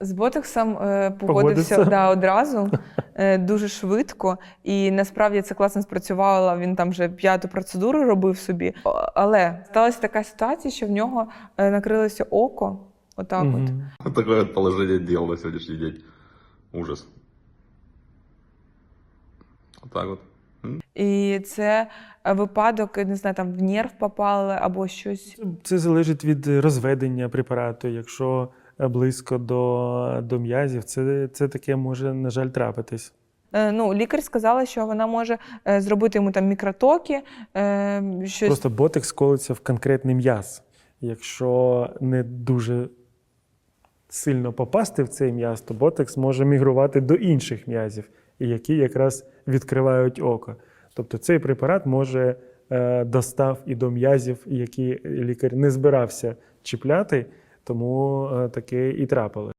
З ботоксом погодився Погодився? да, одразу, дуже швидко. І насправді це класно спрацювало. Він там вже 5-ту процедуру робив собі. Але сталася така ситуація, що в нього накрилося око. Отак от. Такое вот положение дел на сегодняшний день. Ужас. Вот так вот. І це випадок, не знаю, там в нерв попали або щось. Це залежить від розведення препарату. Якщо близько до м'язів, це таке може, на жаль, трапитись. Ну, лікар сказала, що вона може зробити йому там мікротоки, щось. Просто ботекс колиться в конкретний м'яз. Якщо не дуже сильно попасти в цей м'яз, то ботекс може мігрувати до інших м'язів, які якраз відкривають око. Тобто цей препарат може достав і до м'язів, які лікар не збирався чіпляти, тому таке і трапилось.